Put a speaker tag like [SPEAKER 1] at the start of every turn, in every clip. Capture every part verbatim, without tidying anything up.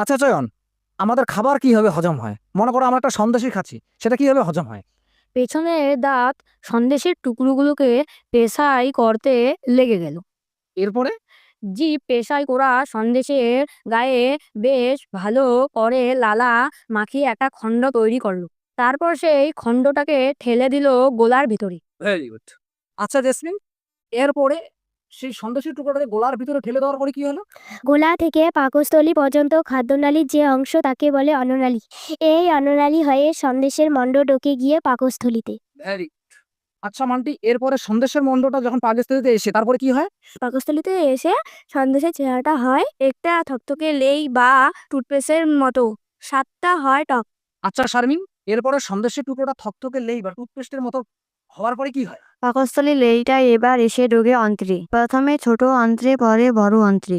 [SPEAKER 1] আচ্ছা চয়ন, আমাদের খাবার কিভাবে হজম হয়? মনে করো আমরা একটা সন্দেশই খাচ্ছি, সেটা কিভাবে হজম হয়?
[SPEAKER 2] পেছনের দাঁত সন্দেশের টুকরোগুলোকে পেশাই করতে লেগে গেল।
[SPEAKER 1] এরপরে?
[SPEAKER 2] জিভ পেশাই করা সন্দেশের গায়ে বেশ ভালো করে লালা মাখিয়ে একটা খণ্ড তৈরি করলো। তারপর সেই খণ্ডটাকে ঠেলে দিল গোলার ভিতরে।
[SPEAKER 1] Very good. আচ্ছা জেসমিন, এরপরে সেই সন্দেশের টুকরোটাকে গোলার ভিতরে ঠেলে দেওয়ার পরে কি হলো?
[SPEAKER 3] গোলা থেকে পাকস্থলী পর্যন্ত খাদ্যনালীর যে অংশ তাকে বলে অন্ননালী। এই অন্ননালী হয়ে সন্দেশের মণ্ড ঢোকে গিয়ে পাকস্থলীতে।
[SPEAKER 1] ভেরি আচ্ছা মান্টি, এরপরে সন্দেশের মণ্ডটা যখন পাকস্থলীতে এসে তারপরে কি হয়?
[SPEAKER 3] পাকস্থলীতে এসে সন্দেশের চেহারাটা হয় একটা থকথকে লেই বা টুথপেস্টের মতো। স্বাদটা হয় টক।
[SPEAKER 1] আচ্ছা শারমিন, এরপরে সন্দেশের টুকরোটা থকথকে লেই বা টুথপেস্টের মতো হওয়ার পরে কি হয়?
[SPEAKER 4] পাকস্থলী লেইটা এবার এসে ঢোকে অন্ত্রে, প্রথমে ছোট অন্ত্রে পরে বড় অন্ত্রে।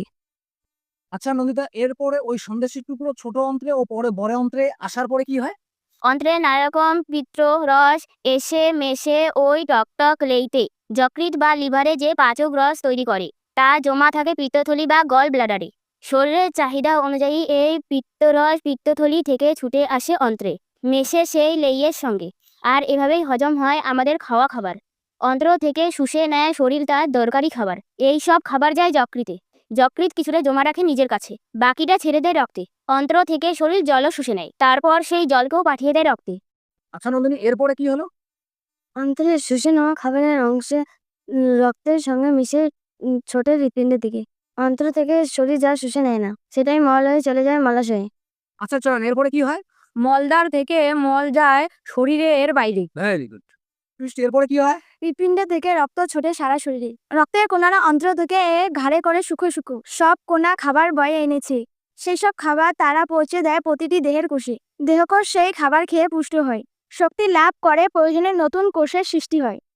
[SPEAKER 1] আচ্ছা নন্দিতা, এরপরে ওই সন্দেশের টুকরো ছোট অন্ত্রে ও পরে বড় অন্ত্রে আসার পরে কি হয়?
[SPEAKER 3] অন্ত্রে নানারকম পিত্ত রস এসে মেশে ওই টকটক লেইতে যকৃৎ বা লিভারে যে পাচক রস তৈরি করে তা জমা থাকে পিত্তথলি বা গল ব্লাডারে। শরীরের চাহিদা অনুযায়ী এই পিত্তরস পিত্তথলি থেকে ছুটে আসে অন্ত্রে, মেশে সেই লেইয়ের সঙ্গে। আর এভাবেই হজম হয় আমাদের খাওয়া খাবার। অন্ত্র থেকে শুষে নেয় শরীর তার দরকারি খাবার। এই সব খাবার যায় যকৃতে। যকৃৎ কিছুটা জমা রাখে নিজের কাছে, বাকিটা ছেড়ে দেয় রক্তে। অন্ত্র থেকে শরীর জলও শুষে নেয়, তারপর সেই জলকেও পাঠিয়ে দেয় রক্তে।
[SPEAKER 1] আচ্ছা নন্দিনী, এরপরে কি হলো?
[SPEAKER 4] অন্ত্রে শুষে নেওয়া খাবারের অংশে উম, রক্তের সঙ্গে মিশে উম, ছোট হৃৎপিণ্ডের দিকে। অন্ত্র থেকে শরীর যা শুষে নেয় না সেটাই মল হয়ে চলে যায় মলাশয়ে।
[SPEAKER 1] আচ্ছা চয়ন, এরপরে কি হয়?
[SPEAKER 2] মলদ্বার থেকে মল যায় শরীরের বাইরে।
[SPEAKER 1] Very good. বৃষ্টি, এরপরে কি হয়?
[SPEAKER 3] হৃৎপিণ্ড থেকে রক্ত ছোটে সারা শরীরে। রক্তের কোনারা অন্ত্র থেকে ঘাড়ে করে শুকো শুকো সব কোনা খাবার বয়ে এনেছে। সেই সব খাবার তারা পৌঁছে দেয় প্রতিটি দেহের কোষে। দেহকোষ সেই খাবার খেয়ে পুষ্ট হয়, শক্তি লাভ করে, প্রয়োজনে নতুন কোষের সৃষ্টি হয়।